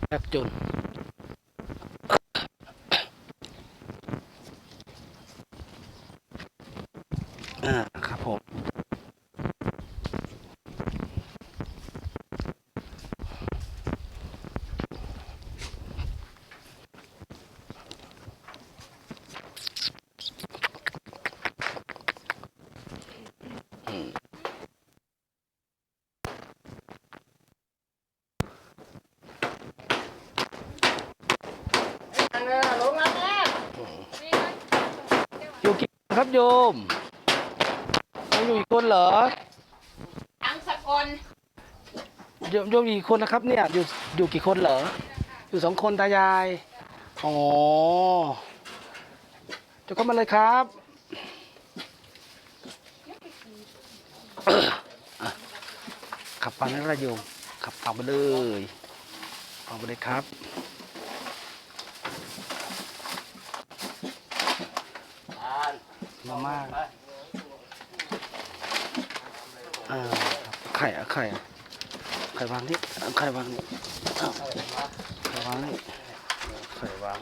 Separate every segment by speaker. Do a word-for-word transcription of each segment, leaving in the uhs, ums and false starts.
Speaker 1: ยากจนอ่าครับผมอยู่กี่คนครับโยมอยู่กี่คนเหรอ
Speaker 2: ทั้งสกล
Speaker 1: โยมโยมกี่คนนะครับเนี่ยอยู่อยู่กี่คนเหรออยู่สองคนตายายอ๋อจะเข้ามาเลยครับอ่ะขับฟังนั่นแหละโยมขับฟังไปเลยฟังไปเลยครับมาม่าอ่าไข่อะไข่อะไข่วางนี่ไข่วางนี่อ้าวไข่วางนี่ไข่วาง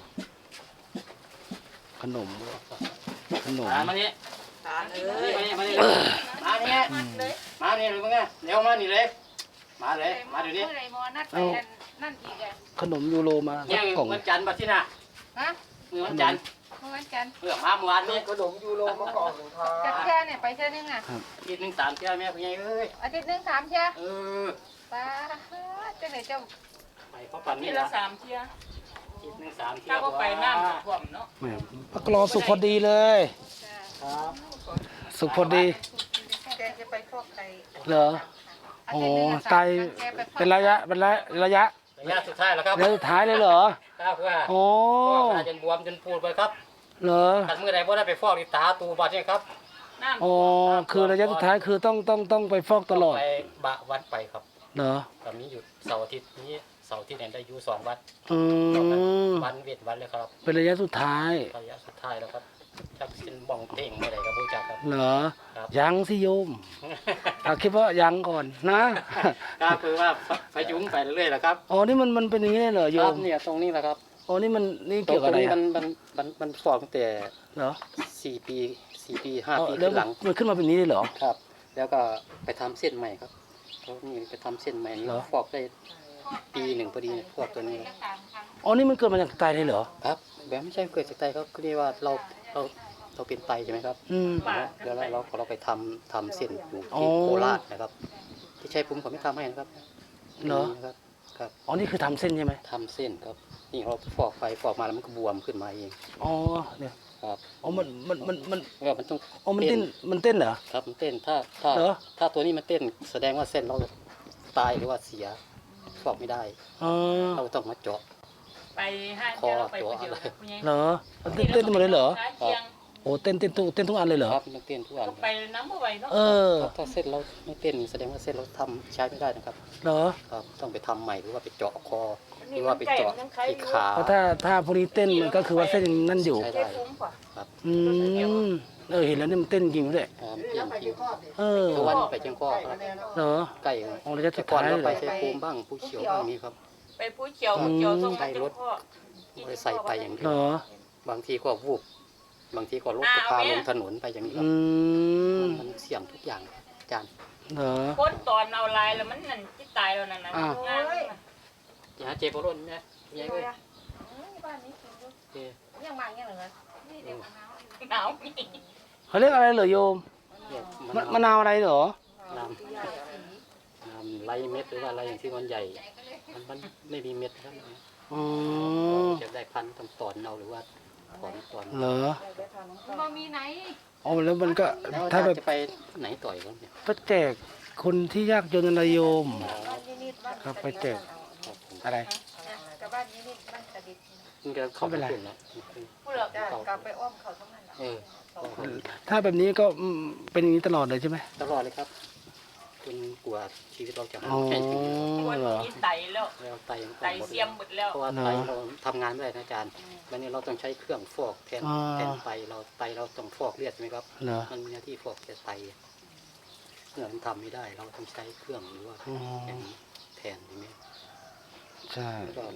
Speaker 1: ขนมขนม
Speaker 3: มานี่มานี่มานี่มานี่มานี่เลยมึงไงเร็วมานี่เลยมาเลยมาเดี๋ยวนี้
Speaker 2: เมื่อไรมอนัดไปนั่นอีกอ่ะ
Speaker 1: ขนมยูโรมา
Speaker 3: เนี่ย
Speaker 1: กล่อง
Speaker 3: วันจันทร์บัดที่น่ะ
Speaker 2: ฮะ
Speaker 3: มือวันจันทร์
Speaker 2: เมื่อวันจันทร์
Speaker 3: เพื่อมาเมื่อวานนี้
Speaker 4: ขนมยูโรมากล่องหนึ่งครั
Speaker 2: จัด
Speaker 4: บ
Speaker 2: แค่เนี่ยไปเช่นึงอ่ะ
Speaker 3: อีกหนึ่งสามเที่ยวแม่พี่ใหญ่เอ้ย
Speaker 2: อาทิตย์นึงสามเช่
Speaker 3: เออ
Speaker 2: ป้าจะไหนจะ
Speaker 3: ไปเขาปั่นนี่
Speaker 5: ที่
Speaker 3: ละ
Speaker 5: ละสามเที่ย
Speaker 3: อีกหนึ่งสามเที่ย
Speaker 5: ถ้าว ก็ไปน้ำจะท่วมเนาะ
Speaker 1: แหม่พักรอสุกพอดีเลย
Speaker 3: ครับ
Speaker 1: สุกพอดี
Speaker 2: แกจะไปฟอกไต
Speaker 1: เหรอโอ้ไตเป็นระยะเป็นระยะระยะ
Speaker 3: ระยะสุดท้ายแล้วครับ
Speaker 1: ระยะสุดท้ายเลยเหรอ
Speaker 3: ครับเพื่อ
Speaker 1: โอ้
Speaker 3: ตาจนบวมจนปูดไปครับ
Speaker 1: เหรอ
Speaker 3: ขัดมือใดบ่ได้ไปฟอกนี่ตาตูบาดเนี่ยครับ
Speaker 5: น้ำ
Speaker 1: โอ้คือระยะสุดท้ายคือต้องต้องต้องไปฟอกตลอด
Speaker 3: ไปบะวัดไปครับ
Speaker 1: เหรอ
Speaker 3: ตอนนี้อยู่เสาร์อาทิตย์นี้เสาร์อาทิตย์เนี่ยได้อยู่สองวัด
Speaker 1: อืม
Speaker 3: วันเวทวันเลยครับ
Speaker 1: เป็นระยะสุดท้าย
Speaker 3: ระยะสุดท้ายแล้วครับชักเป็นบ้องเต่งไม่ได้กับผู้จักครับ
Speaker 1: เหรอ
Speaker 3: ครับ
Speaker 1: ยังสิโยมเอาคิดว่ายังก่อนนะ
Speaker 3: ก็คือว่าพยุงไปเรื่อยๆแหละครับ
Speaker 1: อ๋อนี่มันมันเป็นอย่างนี้เลยเหรอโย
Speaker 3: ครับ
Speaker 1: ม
Speaker 3: เนี่ยตรงนี้แหละครับ
Speaker 1: อ๋อนี่มันนี่
Speaker 3: ตร
Speaker 1: เกี่ยวกับอะไร
Speaker 3: งนี้
Speaker 1: อะ
Speaker 3: มันมันมันมันฟอกตั้งแต่
Speaker 1: เหรอ
Speaker 3: สี่ปีสี่ปีห้า
Speaker 1: อ๋อ
Speaker 3: ปี
Speaker 1: แล้ว
Speaker 3: ขึ้นหลัง
Speaker 1: มันขึ้นมาเป็นนี้เลยเหรอ
Speaker 3: ครับ แล้วก็ไปทำเส้นใหม่ครับเขานี่ไปทำเส้นใหม่นี่
Speaker 1: เหรอ
Speaker 3: ฟอกได้ปีหนึ่งพอดีเนี่ยฟอกตัวนี้
Speaker 2: สามครั้ง
Speaker 1: อ๋อนี่มันเกิดมาจากไตเลยเหรอ
Speaker 3: ครับแบบไม่ใช่เกิดจากไตครับคือเรียกว่าเราเราเราเป็นไตใช่ไหมครับ
Speaker 1: อืม
Speaker 3: แล้วเราเราเราไปทำทำเส้นอยู่
Speaker 1: อ๋อ
Speaker 3: ที่โคราชนะครับ ที่ใช้ผมเขาไม่ทำให้นะครับ
Speaker 1: เหรอ
Speaker 3: นี่นะครับครับ
Speaker 1: อ๋อนี่คือทำเส้นใช่ไหม
Speaker 3: ทำเส้นครับนี่เราฟอกไฟฟอกมาแล้วมันก็บวมขึ้นมาเอง
Speaker 1: อ๋อเนี่ย
Speaker 3: ครับ
Speaker 1: อ๋อมันมันมันมัน
Speaker 3: แล้วมันต้อง
Speaker 1: อ๋อมันเต้นมันเต้นเหรอ
Speaker 3: ครับมันเต้นถ้าถ้า
Speaker 1: เหรอ
Speaker 3: ถ้าตัวนี้มันเต้นแสดงว่าเส้นเราตายหรือว่าเสียฟอกไม่ได้
Speaker 1: อ๋อ
Speaker 3: เราต้องมาเจาะ
Speaker 5: ไปห้าเที่ยวเราไปคนเดียวคุณยาย
Speaker 1: เหรอมันเต้นเต้นหมดเลยเหรอ
Speaker 5: ท้ายเที่ยง
Speaker 1: โอ้เต้นเต้นทุกเต้นทุกอันเลยเหรอ
Speaker 3: ครับมันเต้นทุกอัน
Speaker 5: ก็ไปน้ำเมื่อไหร่เนาะ
Speaker 1: เออ
Speaker 3: ครับถ้าเส้นเราไม่เต้นแสดงว่าเส้นเราทำใช้ไม่ได้นะครับ
Speaker 1: เหรอ
Speaker 3: ครับต้องไปทำใหม่หรือว่าไปเจาะคอหรือว่าไปเจาะที่ขา
Speaker 1: เพราะถ้าถ้าพวกนี้เต้นมันก็คือว่าเส้นยังนั่นอยู่
Speaker 3: ใช้
Speaker 5: ได้
Speaker 3: ได้
Speaker 5: คุ้มกว่า
Speaker 3: ครับ
Speaker 1: อืมเออเห็นแล้วนี่มันเต้นจริงด้วย
Speaker 3: ครับเต้นจริง
Speaker 1: เออ
Speaker 3: ทุกวันไปเชียงพ่อครับ
Speaker 1: เหรอ
Speaker 3: ใกล้
Speaker 1: อ๋อระยะสุ
Speaker 3: แต่
Speaker 1: ด
Speaker 3: ก่อน
Speaker 1: ท้าย
Speaker 3: เรา
Speaker 1: เหร
Speaker 3: ไป
Speaker 1: อ
Speaker 3: ใช้ภูมิบ้างผู้เขียวบ้างนี้ครับ
Speaker 5: ไปผู้เขียวผู้เขียวส่งมาจนพ่อ
Speaker 3: ไม่ได้ใส่ไปอย่างเดี
Speaker 1: เหร
Speaker 3: ยว
Speaker 1: อบ
Speaker 3: างทีก็วูบบางทีก็รถก็พาลงถนนไปอย่างนี้ครั
Speaker 1: อื
Speaker 3: บ
Speaker 1: ม
Speaker 3: มันเสี่ยงทุกอย่างอาจารย์
Speaker 1: เหรอ
Speaker 5: พ้นตอนเอาลายแล้วมันนั่นที่ตายแล้วนั่นนะ
Speaker 1: อ้าว
Speaker 5: งาน
Speaker 3: อย่าเจ็บปวดนะยังไง
Speaker 2: บ้านนี้กินด้วยยังมาอย่างเหรอนี่เดี๋ยวมะนาว
Speaker 5: หนาวมี
Speaker 1: เขาเรียกอะไรเหรอโยมมะมะนาวอะไรเหรอ
Speaker 3: น้ำน้ำไรเม็ดหรือว่าอะไรอย่างที่มันใหญ่ มันมันไม่มีเม็ดครับ
Speaker 1: อ๋อ
Speaker 3: จะได้พันธุ์ต้องตอนเอาหรือว่าถอนตอน
Speaker 1: เหรอ
Speaker 2: มันมีไหน
Speaker 1: อ๋อแล้วมันก็
Speaker 3: แล้ว
Speaker 1: ถ้าแบบ
Speaker 3: จะไปไหนต่อยครับเนี่ย
Speaker 1: ไปแจกคนที่ยากจนอะไรโยม
Speaker 2: บ้านยี่นิดบ้าน
Speaker 1: ครับไปแจกอะไร
Speaker 2: กับบ้านยี่นิดบ้านกระดิษฐ์
Speaker 3: มันจะเข้าไปขึ้นแล้ว
Speaker 5: ผู้เหลือก
Speaker 2: กลับไปอ้อมเขาทั้งนั้น
Speaker 3: เออ
Speaker 1: ถ้าแบบนี้ก็อืมเป็นอย่างนี้ตลอดเลยใช่ไหม
Speaker 3: ตลอดเลยครับคุณกลัวชีวิตเราจะ
Speaker 1: อ๋อ
Speaker 3: แข็งอยู่
Speaker 5: คน
Speaker 1: เหรอ
Speaker 5: นี้ไตแล้ว
Speaker 3: แล้วไตยัง
Speaker 5: ไตเสียมหมดแล้ว
Speaker 3: เพราะว่าไตเราทำงานไม่ได้นะอาจารย์วันนี้เราต้องใช้เครื่องฟอกแทนแทนไตเราไตเราต้องฟอกเลือดใช่ไหมครับ
Speaker 1: เหรอ
Speaker 3: มันมีหน้าที่ฟอกแต่ไตเครื่องมันทำไม่ได้ เราต้องใช้เครื่องหรือว่า
Speaker 1: อ๋อ
Speaker 3: อย่างนี้แทนใช่ไหม
Speaker 1: ใช่
Speaker 3: แล้วก็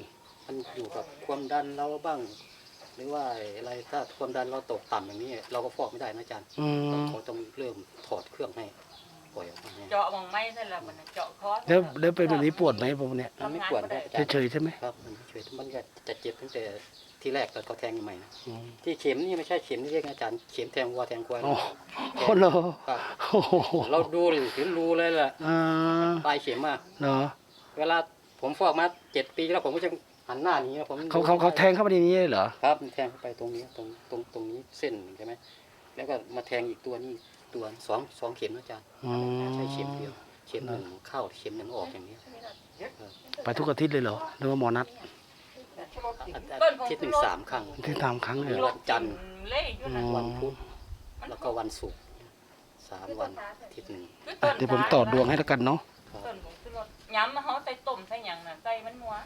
Speaker 3: มันอยู่กับความดันเราบ้าง หรือว่าอะไรถ้าความดันเราตกต่ำอย่างนี้ เราก็ฟอกไม่ได้นะอาจารย์
Speaker 1: อืม
Speaker 3: เขาต้องเริ่มถอดเครื่องให้ปล่อยออกมาให้
Speaker 5: เจาะมองไม่ใช่ละมันเจาะคอ
Speaker 1: แล้วแล้วเป็นแบบนี้ปวดไหมผมเนี่ย
Speaker 3: มันไม่ปวดนะอาจารย์
Speaker 1: เฉยๆใช่ไหม
Speaker 3: ครับมันเฉยมันก็จะเจ็บตั้งแต่ที่แรกตอนเขาแทงใหม่ๆนะ
Speaker 1: อืม
Speaker 3: ที่เข็มนี่ไม่ใช่เข็มที่เรียกนะอาจารย์เข็มแทงวัวแทงควาย
Speaker 1: โอ้โหเหรอ
Speaker 3: ครับ
Speaker 1: โอ้โห
Speaker 3: เราดูเลยเห็นรูเลยแหละ
Speaker 1: อ่า
Speaker 3: ปลายเข็มอ่ะ
Speaker 1: เนาะ
Speaker 3: เวลาผมฟอกมาเจ็ดปีแล้วผมก็จะหันหน้าหนี้ผม
Speaker 1: เขาเขาเขาแทงเข้าไปในนี้เลยเหรอ
Speaker 3: ครับมันแทงเข้าไปตรงนี้ตรงตรงตรงนี้เส้นใช่ไหมแล้วก็มาแทงอีกตัวนี้ตัวสองสองเข็มนะอาจารย์
Speaker 1: อืม
Speaker 3: ใช่เข็มเดียวเข็มหนึ่งเข้าเข็มหนึ่งออกอย่างนี้
Speaker 1: ไปทุกอาทิตย์เลยเหรอหรือว่าหมอนัด
Speaker 3: อาทิตย์หนึ่งสามครั้ง
Speaker 1: ที่ตามครั้งเลยเหรอ
Speaker 3: วันจันทร์
Speaker 5: เล่อยู่นะ
Speaker 3: วันพุธแล้วก็วันศุกร์สามวันอาทิตย์หนึ่ง
Speaker 1: อ่ะเดี๋ยวผมต่อดวงให้แล้วกันเนาะ
Speaker 3: ครับ
Speaker 5: ต้นผมคือรถย้ำมาเขาใส่ต้มใส่หยังน่ะใส่มันมัว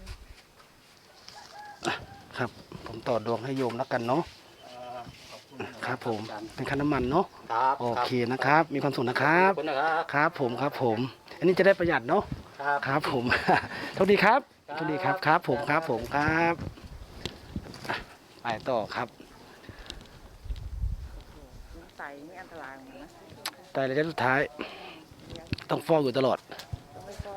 Speaker 1: ครับ ผมต่อดวงให้โยมแล้วกันเนาะครับผมเป็นค่าน้ำมันเนาะ
Speaker 3: ครับ
Speaker 1: โอเคนะครับ มีความสุขนะครับ
Speaker 3: ขอบคุณนะครับ
Speaker 1: ครับผมครับผม อันนี้จะได้ประหยัดเนาะ
Speaker 3: ครับ
Speaker 1: ครับผม โชคดีครับโชคดีครับครับผมครับผมครับอ่ะไปต่อครับ
Speaker 2: ใส่ไม่อันตรายเหมือนกันนะ
Speaker 1: แต่ระยะสุดท้าย ต้องฟอกอยู่ตลอด
Speaker 2: ไม่ก็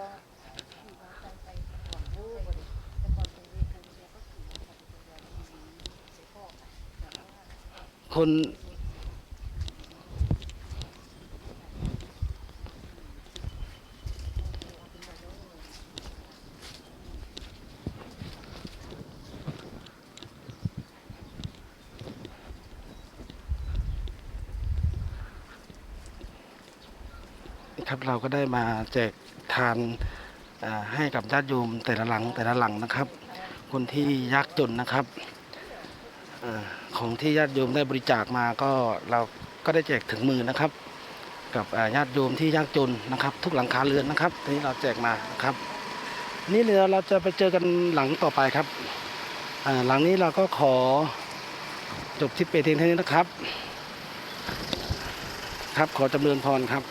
Speaker 1: คน ครับเราก็ได้มาแจกทานอ่าให้กับญาติโยมแต่ละหลังแต่ละหลังนะครับ คนที่ยากจนนะครับอาของที่ญาติโยมได้บริจาคมาก็เราก็ได้แจกถึงมือนะครับ กับอ่าญาติโยมที่ยากจนนะครับ ทุกหลังคาเรือนนะครับทีนี้เราแจกมานะครับ นี่เดี๋ยวเราจะไปเจอกันหลังต่อไปครับอ่าหลังนี้เราก็ขอจบที่เปเทียงเท่านี้นะครับ ครับขอจำเริญพรครับ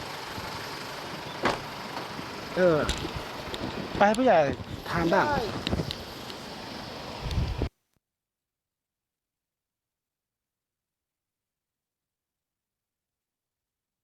Speaker 1: เออ ไปให้ผู้ใหญ่ทานบ้าง
Speaker 4: ใช่